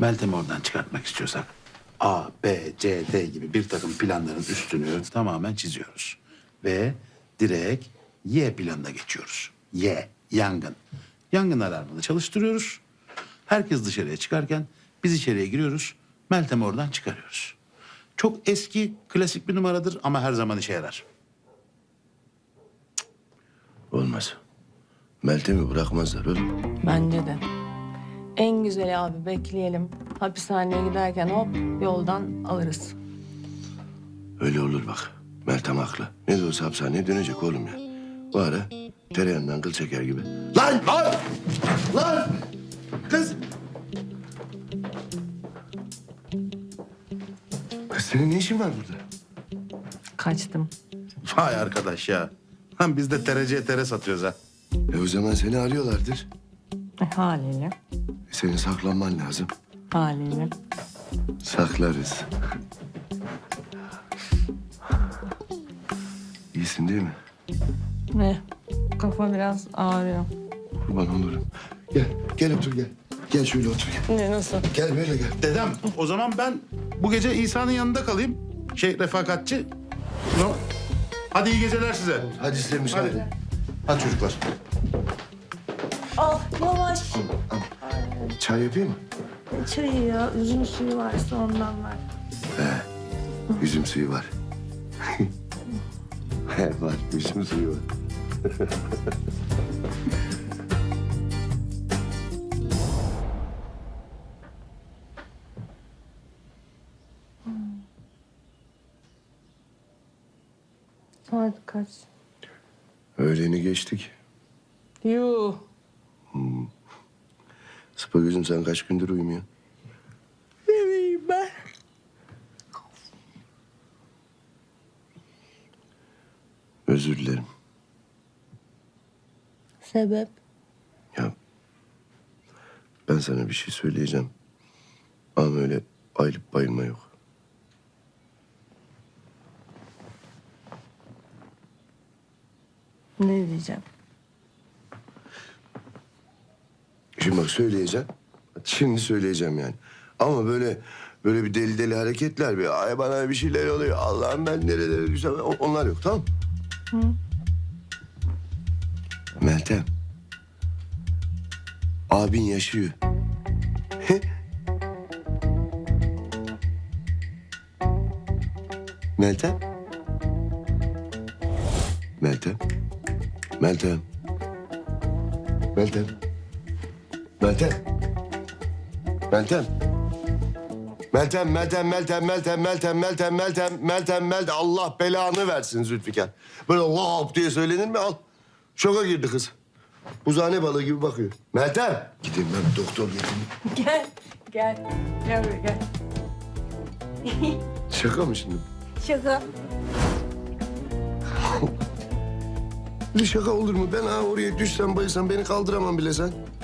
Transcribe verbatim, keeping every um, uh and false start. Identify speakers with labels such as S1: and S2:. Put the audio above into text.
S1: Meltem'i oradan çıkartmak istiyorsak A, B, C, D gibi bir takım planların üstünü tamamen çiziyoruz. Ve direkt Y planına geçiyoruz. Y, yangın. Yangın alarmını çalıştırıyoruz. Herkes dışarıya çıkarken biz içeriye giriyoruz. Meltem'i oradan çıkarıyoruz. Çok eski, klasik bir numaradır ama her zaman işe yarar.
S2: Olmaz. Meltem'i bırakmazlar oğlum.
S3: Bence de. En güzeli abi bekleyelim. Hapishaneye giderken hop yoldan alırız.
S2: Öyle olur bak. Meltem haklı. Ne de olsa hapishaneye dönecek oğlum ya. Bu ara tereyağından kıl çeker gibi. Lan! Lan! Lan! Kız! Kız senin ne işin var burada?
S3: Kaçtım.
S1: Vay arkadaş ya. Lan biz de tereciye tere satıyoruz ha.
S2: E o zaman seni arıyorlardır.
S3: E, haliyle.
S2: E senin saklanman lazım.
S3: Haliyle.
S2: Saklarız. İyisin değil mi?
S3: Ne? Kafa biraz ağrıyor.
S2: Kurban olurum. Gel, gel otur gel. Gel şöyle otur gel.
S3: Ne nasıl?
S2: Gel böyle gel.
S1: Dedem o zaman ben bu gece İsa'nın yanında kalayım. Şey refakatçi. No. Hadi iyi geceler size.
S2: Hadi size müsaade.
S1: Hadi. Hadi çocuklar.
S3: Ah yavaş.
S2: Çay yapayım mı?
S3: Çayı ya. Üzüm suyu varsa ondan var.
S2: Üzüm suyu var. He var, üzüm suyu var.
S3: Saat kaç?
S2: Öğleni geçtik.
S3: Yuh.
S2: Sıpa gözüm sen kaç gündür uyumuyorsun?
S3: Ne bileyim ben.
S2: Özür dilerim.
S3: Sebep?
S2: Ya ben sana bir şey söyleyeceğim. Ama öyle ayılıp bayılma yok.
S3: Ne diyeceğim?
S2: Şimdi bak söyleyeceğim. Şimdi söyleyeceğim yani. Ama böyle böyle bir deli deli hareketler bir ay bana bir şeyler oluyor. Allah'ım ben nerelere düşsem o- onlar yok tamam mı? Meltem. Abin yaşıyor. Meltem. Meltem. Meltem. Meltem. Meltem. Meltem. Meltem, Meltem, Meltem, Meltem, Meltem, Meltem, Meltem, Meltem, Meltem. Allah belanı versin Zülfikar. Böyle lop diye söylenir mi? Al. Şoka girdi kız. Buzhane balığı gibi bakıyor. Meltem. Gideyim ben bir doktor getireyim.
S3: Gel. Gel. Gel buraya gel.
S2: Şaka mı şimdi?
S3: Şaka.
S2: Bir şaka olur mu? Ben ha oraya düşsem bayılsam beni kaldıramam bile sen.